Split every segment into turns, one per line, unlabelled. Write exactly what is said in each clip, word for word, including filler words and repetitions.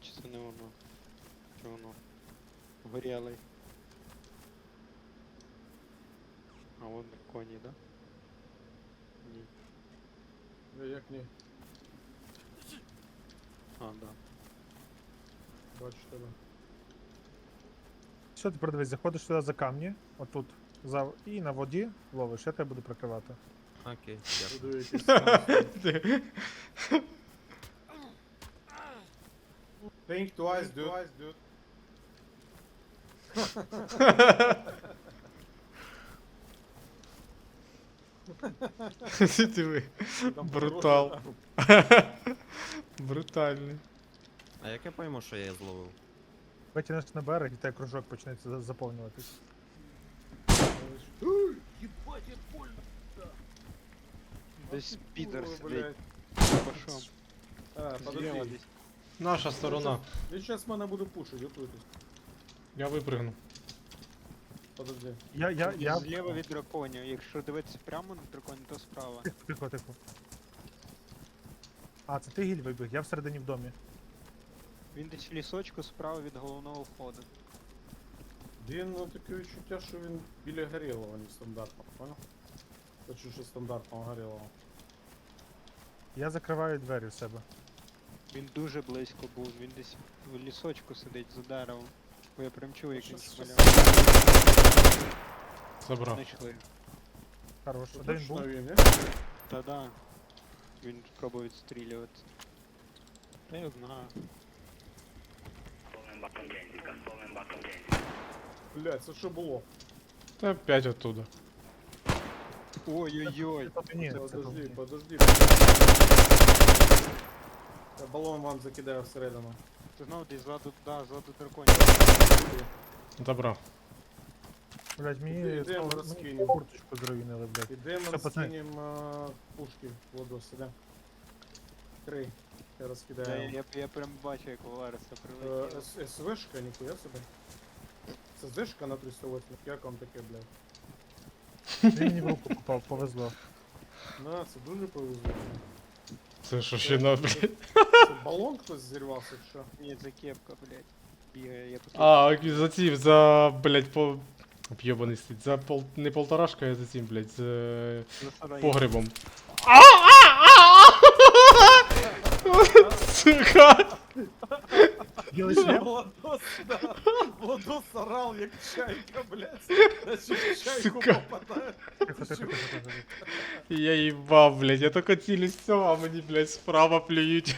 чи це не воно? Чи воно? Горілий. А вон коні, да? Ні.
Е, Як ні?
А, да.
Бачу тебе.
Все, тепер дивись, заходиш сюди за камні, отут, за... і на воді ловиш, я тебе буду прикривати.
Окей, дякую.
Буду якийсь там. Think twice, dude.
Диви.
Там
Брутал.
подорожче,
Брутальний.
А як я пойму, що я її зловив?
Витягнеш на берег і тебе кружок почнеться за- заповнюватись.
Десь підер
Ой,
сидить.
блядь.
Пошов.
А,
Зліва
подожди.
десь.
Наша сторона.
Я сейчас мене буду пушить, готуйтесь.
Я випригну.
Подожди.
Я, я, я...
Зліва від драконів. Якщо дивитися прямо на драконів, то справа.
Тихо, тихо, тихо. А, це ти гіль вибіг, я всередині в домі.
Він десь в лісочку справа від головного входу.
Він, ну, таке відчуття, що він біля горілого, не стандартного, понял? Хочу, що стандартного горілого.
Я закриваю двері в себе.
Він дуже близько був, він десь в лісочку сидить за деревом. Бо я прям чув, як він
Щас-
шмаляв.
Забрав.
Знайшли.
Хорош. А де він
Точно
був?
він, не?
Та-да. Він пробував відстрілювати. Та я знаю.
Блядь, це що було?
Та опять оттуда.
Ой-ой-ой.
Це ні, це
Подожди,
тут.
подожди. Я балон вам закидаю всередину.
Ти знов десь ззаду, да, ззаду драконів.
Забрав.
Блять, мені,
Іди,
знову-
йдемо
мені
розкинемо.
курточку зруйнили, блять.
Ідемо
Все, пацани.
скинем а, пушки в воду сюди. Три. Я
Я,
розкидаю.
я, я прям бачу, як Валериса
Е,
прилетіла.
С- СВшка, ніхуя собі. Це ЗШка на триста восемь, як вам таке, блядь?
Він мені в руку попав, повезло.
На, це дуже повезло.
Це що ще на, блядь.
Це балон хтось зірвався, чи що?
Ні, це кепка, блядь. Бігає, я тут.
А, за цим, за, блядь, по... Об'єбаний стить. За пол... Не полторашка, а за цим, блядь, з е,
за сараєм.
погребом. Сука!
Білий шлем?
Владос, да. Владос орал, як чайка, блядь. Наче в чайку
Сука.
попадає.
Тихо, тихо, тихо, тихо, тихо.
Я їбав, блядь, я тільки цілюсь все, а мені, блядь, справа плюють.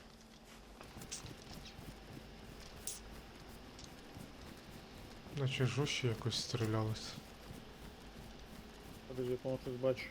Наче жорстче якось стрілялось.
Подожди, я по-моєму щось бачу.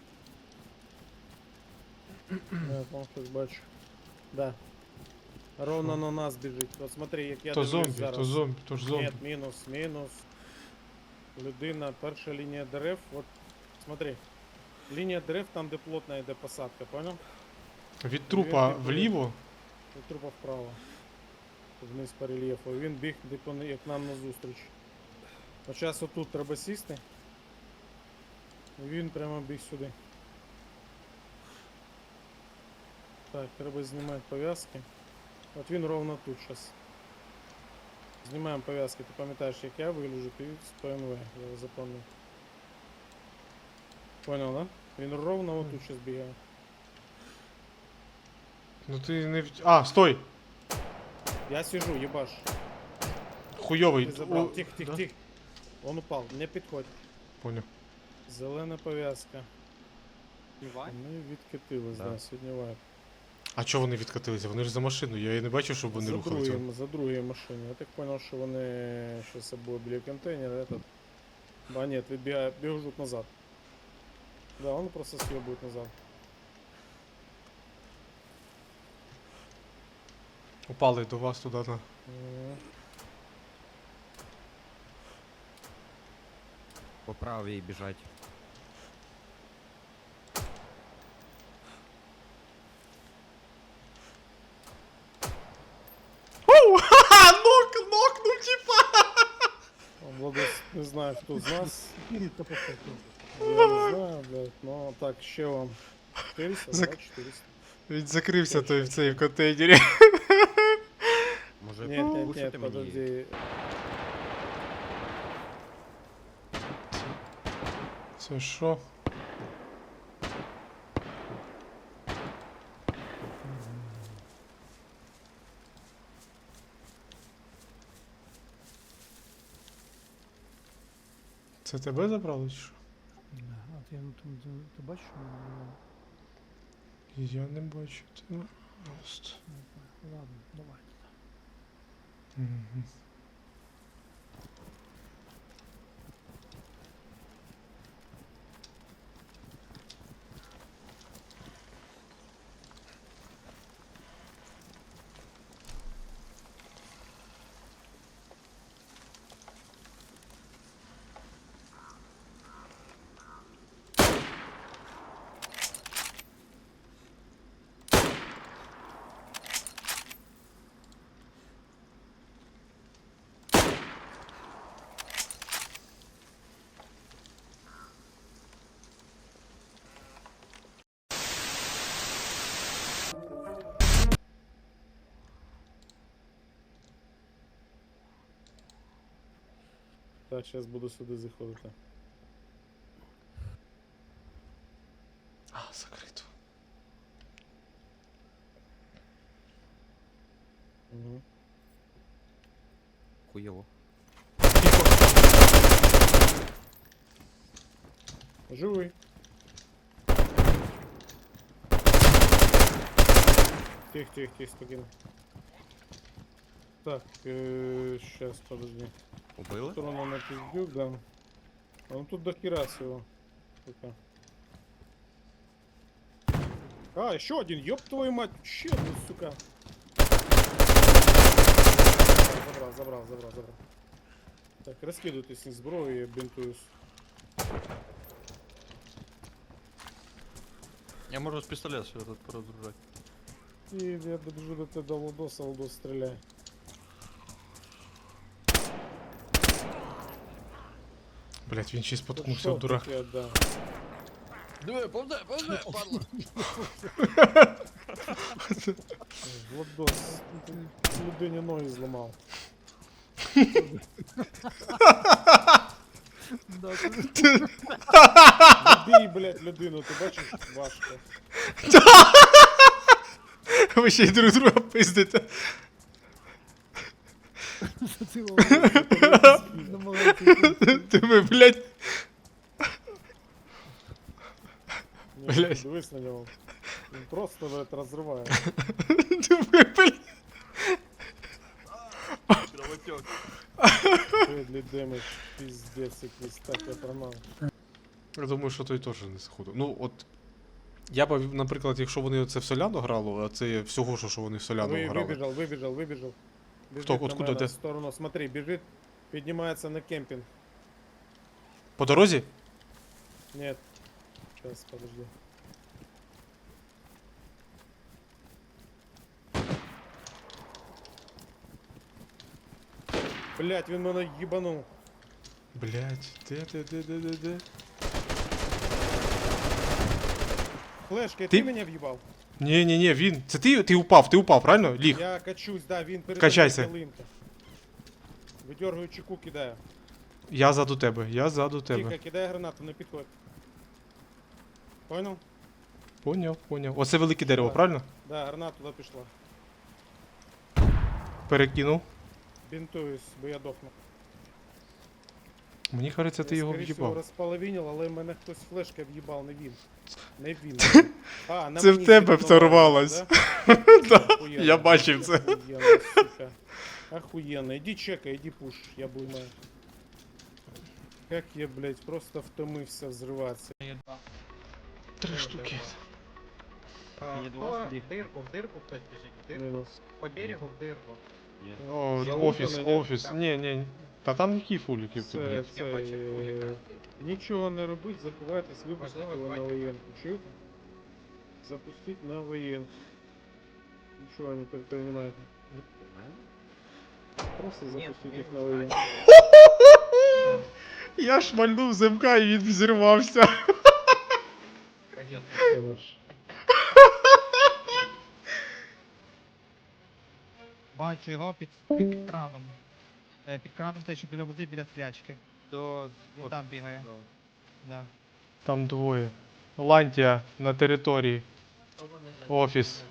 Да, я по-моєму щось бачу. Да. Ровно
Що?
на нас біжить. От смотри, як я
То
дивлюсь
зомбі,
зараз.
то зомбі, то ж зомбі.
Нет, мінус, мінус. Людина, перша лінія дерев. От, смотри. Лінія дерев там, де плотна йде посадка, понял?
Від трупа
Він- він-
вліво.
І трупа вправо. Вниз по рельєфу. І він біг, де пон- як нам назустріч. От зараз отут треба сісти. І він прямо біг сюди. Так, треба знімати пов'язки. От він ровно тут зараз. Знімаємо пов'язки. Ти пам'ятаєш, як я вигляджу, ти з ПМВ, я його запам'ятав. Понял, да? Він ровно отут зараз бігає.
Ну ти не в... А, стой!
Я сижу, ебаш.
Хуйовий.
Ти забрав.
О,
Тихо, тихо,
да?
тихо. Он упав, не підходь.
Поняв.
Зелена пов'язка.
Іван?
Ми відкатились,
Да.
да, сьогодні вайп.
А чого вони відкатилися? Вони ж за машину, я і не бачив, щоб вони
За
рухалися.
другою, за другою машиною. Я так понял, що вони ще з собою біля контейнера, этот... Да нет, відбігає, біжуть назад. Да, он просто съебует назад.
Упали до вас туди на.
М.
По правій біжать.
Оу! Ха-ха! Нок, нокнув, типа!
Он, Владос, не знаю, хто з нас.
Та похуй.
Я не знаю, блядь, ну так, ще вам. четыреста,
Зак-
да, четыреста.
Він закрився той в цей в контейнері.
Може Пушити
Нет,
мені.
подожди.
Це що? Це тебе забрали чи що?
А ти, ну, там, ти, ти бачиш, що воно?
Я не бачу тебе. Просто.
Ладно, давай.
Мгм.
Так, зараз буду сюди заходити.
А, закрито.
Угу.
Хуєво.
Живий. Тих, тих, тих, спокійно. Так, э, сейчас, подожди.
Убили?
Сторону на пиздюк, да. А ну тут до хера всего. Сука. А, еще один, ёб твою мать, еще один, сука. Забрал, забрал, забрал, забрал. Так, раскидывайтесь из зброю, я бинтуюсь.
Я можу з пістолета все тут порозгружати.
И я добежу до тебя до Лодоса, Лодос стреляй.
Блять, він ще й
Да
споткнувся
шо
в дурак.
таке, да.
Диви, повзе, повзе, падла.
Лодос, ти людині ноги зламав.
Да, ти-
Бій, блядь, людину, ти бачиш? Важко.
Ви ще й друг друга пиздите.
ти намагається якось-
Ти ви, блять.
Ні,
Блядь.
дивись на нього. Він просто, блядь, розриває.
Ти ви, блять.
Кровотек.
Deadly damage, пиздец якийсь, так я пронав.
Я думаю, що той теж не заходив. Ну, от. Я б, наприклад, якщо вони це в Соляну грали, а це всього, що, що вони в Соляну
Ви,
грали.
вибіжав, вибіжав, вибіжав. Біжить
Хто?
на
Откуда
мене
ти?
в сторону, смотри, біжить, піднімається на кемпінг.
По дорозі?
Нет. Сейчас, подожди. Блять, він мене їбанув.
Блять, де, де, де, де, де, де?
Флешка, ти,
Ти-
мене в'їбав?
Ні, ні, ні, він. Це ти, ти упав, ти упав, правильно? Ліг.
Я качусь, да, він перед
Качайся.
ялинка. Видергую чеку, кидаю.
Я ззаду тебе, я ззаду тебе.
Тихо, кидаю гранату, не підходь. Понял?
Поняв, поняв. Оце велике дерево,
Так.
правильно?
Да, граната туди пішла.
Перекинув.
Бінтуюсь, бо я дохну.
Мені кажеться, ти
Я,
його
скоріше всього,
в'їбав.
розполовинив, але мене хтось флешка в'їбав, не він. Не він. А, на
Це в
мені
тебе
сигнал,
взорвалось.
да?
Да,
Охуєнно.
я бачив це.
Охуєнно, сука. Охуєнно. Іди чекай, іди пуш, я буйна. Как я, блядь, просто втомився взриватися.
Три штуки.
В дырку, в дырку кто-то бежит, в дырку.
Мінус.
По берегу в дырку.
О,
Я
офіс,
лутаний,
офіс. Ні, ні. Та там які фуліки в тебе.
Це, це, е, нічого не робить, заховайтесь, випустити
Можливо,
на
хватить.
воєнку. Чуєте? Запустить на воєнку. Нічого не предпринимаете. Просто запустить їх на воєнку.
Я шмальнув замка і він взірвався.
Пойдет. Бачу його під, під краном. Е, під краном те, що біля води, біля стрячки.
До...
Він там бігає. Да.
Там двоє. Лантія на території. Офіс.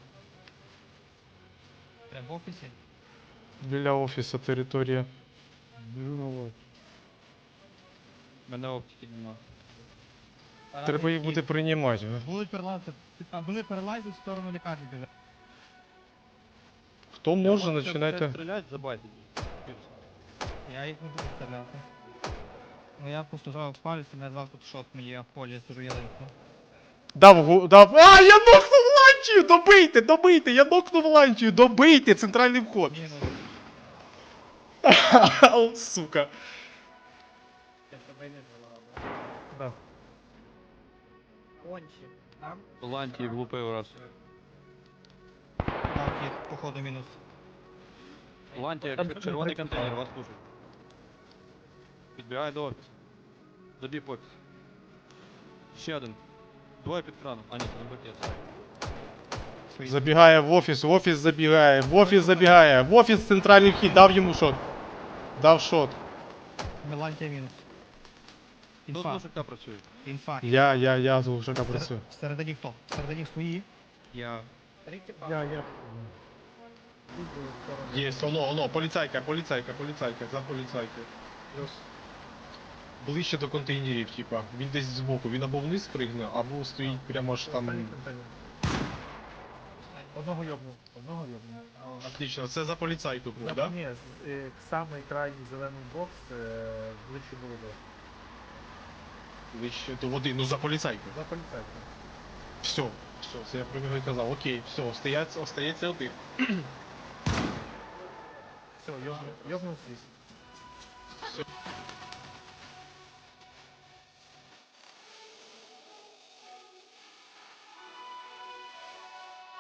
Прям в офісі.
Біля офісу територія.
Біжу на лодь.
Мене оптики нема.
Треба їх буде приймати.
Будуть перелазити. А вони перелазять в сторону лікарні біжать.
Хто може, починайте.
Стрілять, забайтить.
Я їх не буду стріляти. Ну я просто зразу палець, і мене зразу тут шот мені, я в полі сижу ялинку.
Дав, гу- дав. А, я нокнув ланчію! Добийте, добийте! Я нокнув ланчію! Добийте! Центральний вход!
Мінус.
Ау, сука.
Да.
Кончі. Там?
Лантії влупив раз.
Ланки, походу, мінус.
Лантія,
Там
червоний
дуже
контейнер, вас служить. Підбігає до офісу. Забіг в офіс. Ще один. Двоє під краном. А ні, це не бакет.
Забігає в офіс, в офіс забігає, в офіс забігає, в офіс центральний вхід, дав йому шот. Дав шот.
Мелантія мінус.
Хто з
Інфа.
мужика працює?
Інфа.
Я, я, я з Глушака працюю.
Всередині хто? Всередині свої.
Я.
Я, я.
Є, оно, оно, поліцайка, поліцайка, поліцайка, за поліцайкою. Ближче до контейнерів, типа. Він десь збоку, він або вниз пригне, або стоїть прямо аж там.
Одного йобнув, одного йобнув.
Отлично, це за поліцайку був, да?
Ні, з- е, самий крайній зелений бокс е, ближче було до.
Ближче до води, ну за поліцайку.
За поліцейським.
Все, все, це я про нього і казав. Окей, все, остається, остається один.
Все, йобнув, йобнув свіст.